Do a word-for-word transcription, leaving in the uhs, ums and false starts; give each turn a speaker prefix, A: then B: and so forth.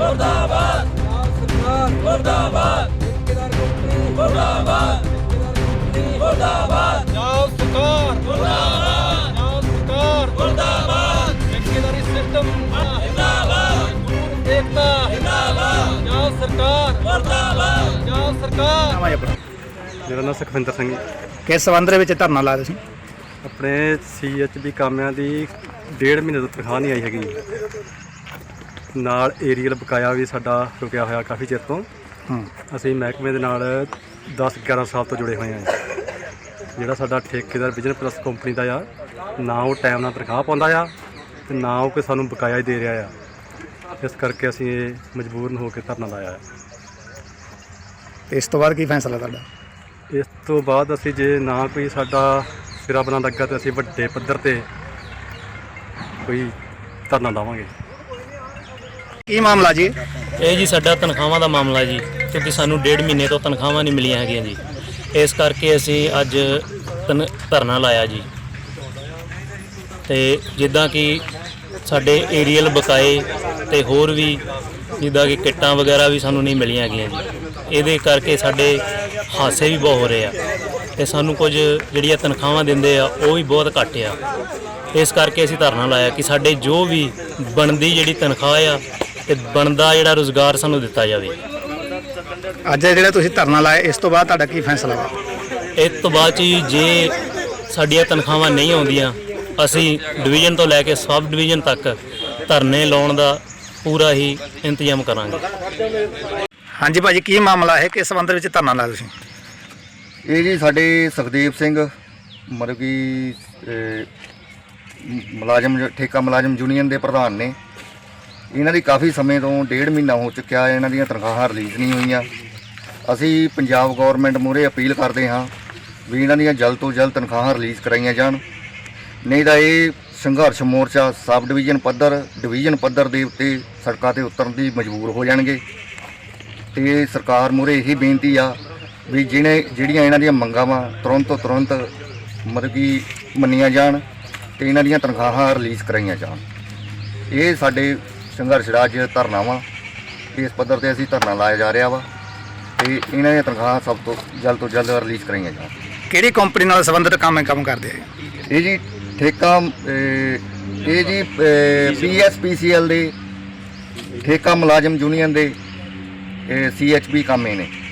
A: मुर्दाबाद मुर्दाबाद मुर्दाबाद मुर्दाबाद
B: ਪੰਜਾਬ ਸਰਕਾਰ ਮੁਰਦਾਬਾਦ ਪੰਜਾਬ ਸਰਕਾਰ ਮੁਰਦਾਬਾਦ ਠੇਕੇਦਾਰੀ ਸਿਸਟਮ
A: जिंदाबाद
B: ਏਕਤਾ
A: जिंदाबाद
B: ਪੰਜਾਬ ਸਰਕਾਰ
A: मुर्दाबाद
B: ਪੰਜਾਬ ਸਰਕਾਰ
C: ਨਾਮ ਹੈ ਆਪਣਾ
D: ਮੇਰਾ ਨਾਮ ਸੁਖਵਿੰਦਰ ਸਿੰਘ ਜੀ।
C: ਕਿਸ ਸੰਬੰਧ ਦੇ ਵਿੱਚ ਧਰਨਾ ਲਾਇਆ ਤੁਸੀਂ?
D: ਆਪਣੇ ਸੀ ਐਚ ਬੀ ਕਾਮਿਆਂ ਦੀ ਡੇਢ ਮਹੀਨੇ ਤੋਂ ਤਨਖਾਹ ਨਹੀਂ ਆਈ ਹੈਗੀ ਜੀ। ਨਾਲ ਏਰੀਅਲ ਬਕਾਇਆ ਵੀ ਸਾਡਾ ਰੁਕਿਆ ਹੋਇਆ ਕਾਫੀ ਚਿਰ ਤੋਂ।
C: ਹੂੰ
D: ਅਸੀਂ ਮਹਿਕਮੇ ਦੇ ਨਾਲ ਦਸ ਗਿਆਰਾਂ ਸਾਲ ਤੋਂ ਜੁੜੇ ਹੋਏ ਹਾਂ ਜੀ। ਜਿਹੜਾ ਸਾਡਾ ਠੇਕੇਦਾਰ ਬਿਜ਼ਨਸ ਪਲੱਸ ਕੰਪਨੀ ਦਾ ਆ, ਨਾ ਉਹ ਟਾਈਮ ਨਾਲ ਤਨਖਾਹ ਪਾਉਂਦਾ ਆ ਤੇ ਨਾ ਉਹ ਕੋਈ ਸਾਨੂੰ ਬਕਾਇਆ ਹੀ ਦੇ ਰਿਹਾ ਆ। ਇਸ ਕਰਕੇ ਅਸੀਂ ਇਹ ਮਜਬੂਰਨ ਹੋ ਕੇ ਧਰਨਾ ਲਾਇਆ ਹੈ।
C: ਤੇ ਇਸ ਤੋਂ ਬਾਅਦ ਕੀ ਫੈਸਲਾ ਤੁਹਾਡਾ?
D: ਇਸ ਤੋਂ ਬਾਅਦ ਅਸੀਂ ਜੇ ਨਾ ਕੋਈ ਸਾਡਾ ਸਿਰਾ ਬਣਾ ਲੱਗਾ ਤਾਂ ਅਸੀਂ ਵੱਡੇ ਪੱਧਰ ਤੇ ਕੋਈ ਧਰਨਾ ਲਾਵਾਂਗੇ।
C: ਕੀ ਮਾਮਲਾ ਜੀ?
E: ਇਹ ਜੀ ਸਾਡਾ ਤਨਖਾਹਾਂ ਦਾ ਮਾਮਲਾ ਜੀ, ਕਿਉਂਕਿ ਸਾਨੂੰ ਡੇਢ ਮਹੀਨੇ ਤੋਂ ਤਨਖਾਹਾਂ ਨਹੀਂ ਮਿਲੀਆਂ ਹੈਗੀਆਂ ਜੀ। ਇਸ ਕਰਕੇ ਅਸੀਂ ਅੱਜ ਤਨ ਧਰਨਾ ਲਾਇਆ ਜੀ। ਤੇ ਜਿੱਦਾਂ ਕਿ ਸਾਡੇ ਏਰੀਅਲ ਬਕਾਏ ਤੇ ਹੋਰ ਵੀ ਜਿੱਦਾਂ ਕਿ ਕਿੱਟਾਂ ਵਗੈਰਾ ਵੀ ਸਾਨੂੰ ਨਹੀਂ ਮਿਲੀਆਂ ਹੈਗੀਆਂ ਜੀ। ਇਹਦੇ ਕਰਕੇ ਸਾਡੇ ਹਾਦਸੇ ਵੀ ਬਹੁਤ ਹੋ ਰਹੇ ਆ ਤੇ ਸਾਨੂੰ ਕੁਝ ਜਿਹੜੀਆਂ ਤਨਖਾਹਾਂ ਦਿੰਦੇ ਆ ਉਹ ਵੀ ਬਹੁਤ ਘੱਟ ਆ। ਇਸ ਕਰਕੇ ਅਸੀਂ ਧਰਨਾ ਲਾਇਆ ਕਿ ਸਾਡੇ ਜੋ ਵੀ ਬਣਦੀ ਜਿਹੜੀ ਤਨਖਾਹ ਆ ਤੇ ਬਣਦਾ ਜਿਹੜਾ ਰੁਜ਼ਗਾਰ ਸਾਨੂੰ ਦਿੱਤਾ ਜਾਵੇ।
C: ਅੱਜ ਜਿਹੜਾ ਤੁਸੀਂ ਧਰਨਾ ਲਾਇਆ, ਇਸ ਤੋਂ ਬਾਅਦ ਤੁਹਾਡਾ ਕੀ ਫੈਸਲਾ ਵਾ?
E: ਇਸ ਤੋਂ ਬਾਅਦ 'ਚ ਜੀ ਜੇ ਸਾਡੀਆਂ ਤਨਖਾਹਾਂ ਨਹੀਂ ਆਉਂਦੀਆਂ, ਅਸੀਂ ਡਿਵੀਜ਼ਨ ਤੋਂ ਲੈ ਕੇ ਸਬ ਡਿਵੀਜ਼ਨ ਤੱਕ ਧਰਨੇ ਲਾਉਣ ਦਾ ਪੂਰਾ ਹੀ ਇੰਤਜ਼ਾਮ ਕਰਾਂਗੇ।
C: ਹਾਂਜੀ ਭਾਜੀ, ਕੀ ਮਾਮਲਾ ਹੈ? ਕਿਸ ਸੰਬੰਧ ਵਿੱਚ ਧਰਨਾ ਲਾਇਆ ਤੁਸੀਂ?
F: ਇਹ ਜੀ ਸਾਡੇ ਸੁਖਦੇਵ ਸਿੰਘ ਮਤਲਬ ਕਿ ਮੁਲਾਜ਼ਮ ਠੇਕਾ ਮੁਲਾਜ਼ਮ ਯੂਨੀਅਨ ਦੇ ਪ੍ਰਧਾਨ ਨੇ। ਇਹਨਾਂ ਦੀ ਕਾਫੀ ਸਮੇਂ ਤੋਂ ਡੇਢ ਮਹੀਨਾ ਹੋ ਚੁੱਕਿਆ, ਇਹਨਾਂ ਦੀਆਂ ਤਨਖਾਹਾਂ ਰਿਲੀਜ਼ ਨਹੀਂ ਹੋਈਆਂ। ਅਸੀਂ ਪੰਜਾਬ ਗੌਰਮੈਂਟ ਮੂਹਰੇ ਅਪੀਲ ਕਰਦੇ ਹਾਂ ਵੀ ਇਹਨਾਂ ਦੀਆਂ ਜਲਦ ਤੋਂ ਜਲਦ ਤਨਖਾਹਾਂ ਰਿਲੀਜ਼ ਕਰਾਈਆਂ ਜਾਣ, ਨਹੀਂ ਤਾਂ ਇਹ ਸੰਘਰਸ਼ ਮੋਰਚਾ ਸਬ ਡਿਵੀਜ਼ਨ ਪੱਧਰ ਡਿਵੀਜ਼ਨ ਪੱਧਰ ਦੇ ਉੱਤੇ ਸੜਕਾਂ 'ਤੇ ਉਤਰਨ ਦੀ ਮਜਬੂਰ ਹੋ ਜਾਣਗੇ। ਤੇ ਸਰਕਾਰ ਮੂਹਰੇ ਇਹੀ ਬੇਨਤੀ ਆ ਵੀ ਜਿਹਨੇ ਜਿਹੜੀਆਂ ਇਹਨਾਂ ਦੀਆਂ ਮੰਗਾਂ ਵਾ ਤੁਰੰਤ ਤੋਂ ਤੁਰੰਤ ਮਤਲਬ ਕਿ ਮੰਨੀਆਂ ਜਾਣ ਤੇ ਇਹਨਾਂ ਦੀਆਂ ਤਨਖਾਹਾਂ ਰਿਲੀਜ਼ ਕਰਾਈਆਂ ਜਾਣ। ਇਹ ਸਾਡੇ ਸੰਘਰਸ਼ ਦਾ ਅੱਜ ਧਰਨਾ ਵਾ। ਇਸ ਪੱਧਰ 'ਤੇ ਅਸੀਂ ਧਰਨਾ ਲਾਇਆ ਜਾ ਰਿਹਾ ਵਾ ਤੇ ਇਹਨਾਂ ਦੀਆਂ ਤਨਖਾਹਾਂ ਸਭ ਤੋਂ ਜਲਦ ਤੋਂ ਜਲਦ ਰਿਲੀਜ਼ ਕਰਾਈਆਂ ਜਾਣ।
C: ਕਿਹੜੀ ਕੰਪਨੀ ਨਾਲ ਸੰਬੰਧਿਤ ਕੰਮ ਕੰਮ ਕਰਦੇ ਆ?
F: ਇਹ ਜੀ ਠੇਕਾ ਇਹ ਜੀ ਪੀ ਐਸ ਪੀ ਸੀ ਐਲ ਦੇ ਠੇਕਾ ਮੁਲਾਜ਼ਮ ਯੂਨੀਅਨ ਦੇ ਸੀ ਐਚ ਬੀ ਕਾਮੇ ਨੇ।